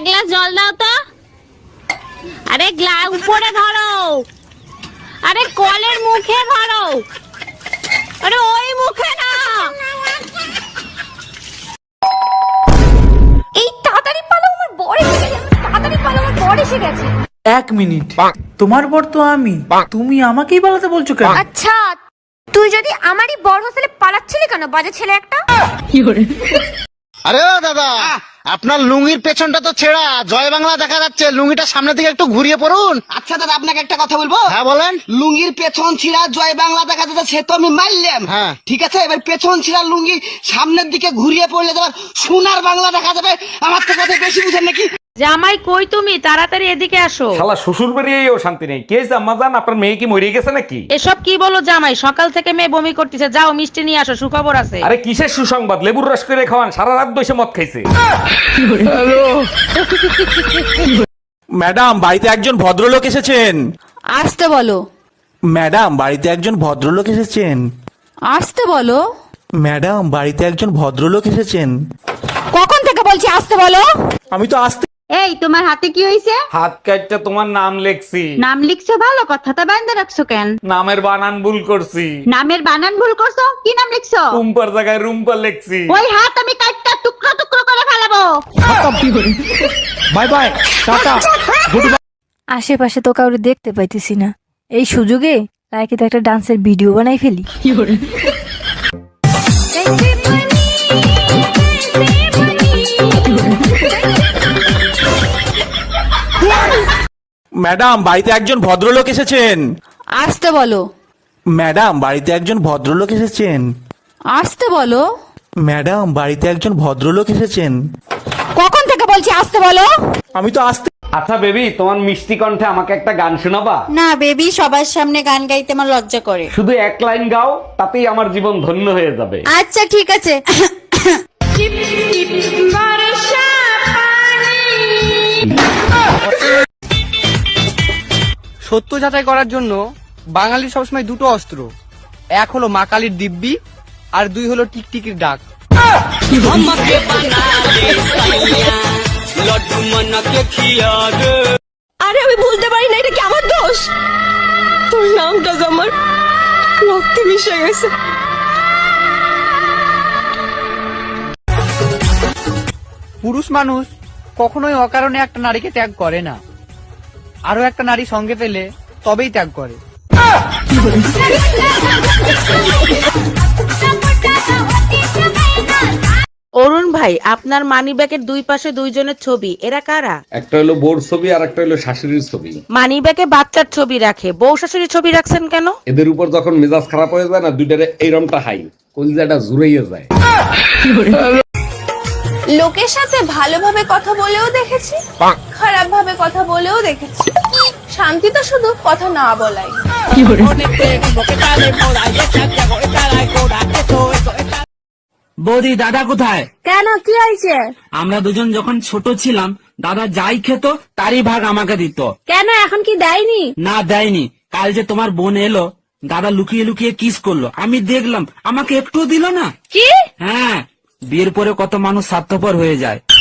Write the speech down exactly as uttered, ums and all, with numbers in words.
Glass জল দাও তো। আরে গ্লাস উপরে ধরো, আরে কলের মুখে ধরো, আরে ওই মুখে না। এই তাড়াতাড়ি পালো, আমার বর এসে গেছে। তাড়াতাড়ি পালো, আমার বর এসে গেছে। এক মিনিট, তোমার বর তো আমি, তুমি আমাকেই পালাতে বলছো কেন? আচ্ছা, তুই যদি আমারই বর হলে পালাচ্ছিলি কেন, বাজে ছেলে একটা? আরে ও দাদা, আপনার লুঙ্গির পেছনটা তো ছেঁড়া, জয় বাংলা দেখা যাচ্ছে, লুঙ্গিটা সামনের দিকে একটু ঘুরিয়ে পড়ুন। আচ্ছা দাদা, আপনাকে একটা কথা বলবো। হ্যাঁ বলেন। লুঙ্গির পেছন ছিঁড়া জয় বাংলা দেখা যাচ্ছে, সে তো আমি মারলাম। হ্যাঁ ঠিক আছে, এবার পেছন ছিঁড়া লুঙ্গি সামনের দিকে ঘুরিয়ে পড়লে তোমার সোনার বাংলা দেখা যাবে। আমার তো কথা বেশি বুঝেন নাকি? জামাই কই তুমি? তাড়াতাড়ি এদিকে আসো। শালা শ্বশুর বাড়িয়েও শান্তি নেই। কে জাম্মা জান, আপনার মেয়ে কি মরে গেছে নাকি? এসব কি বলো জামাই? সকাল থেকে মেয়ে বমি করতেছে, যাও মিষ্টি নিয়ে আসো, সুখবর আছে। আরে কিসের সুসংবাদ? লেবুর রস করে খাওয়ান, সারা রাত বসে মদ খাইছে। ম্যাডাম, বাড়িতে একজন ভদ্রলোক এসেছেন। আসতে বলো। ম্যাডাম, বাড়িতে একজন ভদ্রলোক এসেছেন। আসতে বলো। ম্যাডাম, বাড়িতে একজন ভদ্রলোক এসেছেন। কখন থেকে বলছি আসতে বলো? আমি তো আসতে। এই তোমার হাতে কি হইছে? হাত কাটটা তোমার নাম লেখছি। নাম লিখছো ভালো কথা, তা বাইন্ধে রাখছো কেন? নামের বানান ভুল করছি। নামের বানান ভুল করছো? কি নাম লিখছো? রুম্পার জায়গায় রুম্পা লেখছি। ওই হাত আমি কাটটা টুকরো টুকরো করে ফেলাবো। Bye bye, tata, goodbye. আশেপাশে তো কাউকে দেখতে পাইতেছি না, এই সুযোগে লাইকে তো একটা ডান্সের ভিডিও বানাই ফেলি। ম্যাডাম, বাড়িতে একজন ভদ্রলোক এসেছেন। আসতে বলো। ম্যাডাম, বাড়িতে একজন ভদ্রলোক এসেছেন। আসতে বলো। ম্যাডাম, বাড়িতে একজন ভদ্রলোক এসেছেন। কখন থেকে বলছি আসতে বলো? আমি তো আসতে। আচ্ছা বেবি, তোমার মিষ্টি কণ্ঠে আমাকে একটা গান শোনাবা? না বেবি, সবার সামনে গান গাইতে আমার লজ্জা করে। শুধু এক লাইন গাও, তাতেই আমার জীবন ধন্য হয়ে যাবে। আচ্ছা ঠিক আছে। সত্য যাচাই করার জন্য বাঙালির সবসময় দুটো অস্ত্র, এক হলো মা কালীর দিব্যি, আর দুই হলো টিকটিকির ডাক। আরে আমি ভুলতে পারি না, এটা কি আমার দোষ? তোর নামটা তো আমার রক্তে মিশে গেছে। পুরুষ মানুষ কখনোই অকারণে একটা নারীকে ত্যাগ করে না, আরো একটা নারী সঙ্গে পেলে তবেই ত্যাগ করে। অরুণ ভাই, আপনার মানি ব্যাগের দুই পাশে দুইজনের ছবি, এরা কারা? একটা হলো বোর ছবি আর একটা হলো শাশুড়ির ছবি। মানি ব্যাগে বাচ্চার ছবি রাখে, বউ শাশুড়ির ছবি রাখছেন কেন? এদের উপর যখন মেজাজ খারাপ হয়ে যায় না, দুইটারে এইরমটা হাই কলিজাটা জুড়াইয়া যায়। লোকের সাথে ভালোভাবে কথা বলেও দেখেছি, খারাপ ভাবে কথা বলেও দেখেছি। শান্তি তো শুধু কথা না বলাই। বৌদি, দাদা কোথায়? কেন, কি হয়েছে? আমরা দুজন যখন ছোট ছিলাম, দাদা যাই খেত তারই ভাগ আমাকে দিত। কেন, এখন কি দেয়নি? না দেয়নি। কাল যে তোমার বোন এলো, দাদা লুকিয়ে লুকিয়ে কিস করলো, আমি দেখলাম, আমাকে একটুও দিল না। কি? হ্যাঁ, বিয়ের পরে কত মানুষ স্বার্থপর হয়ে যায়।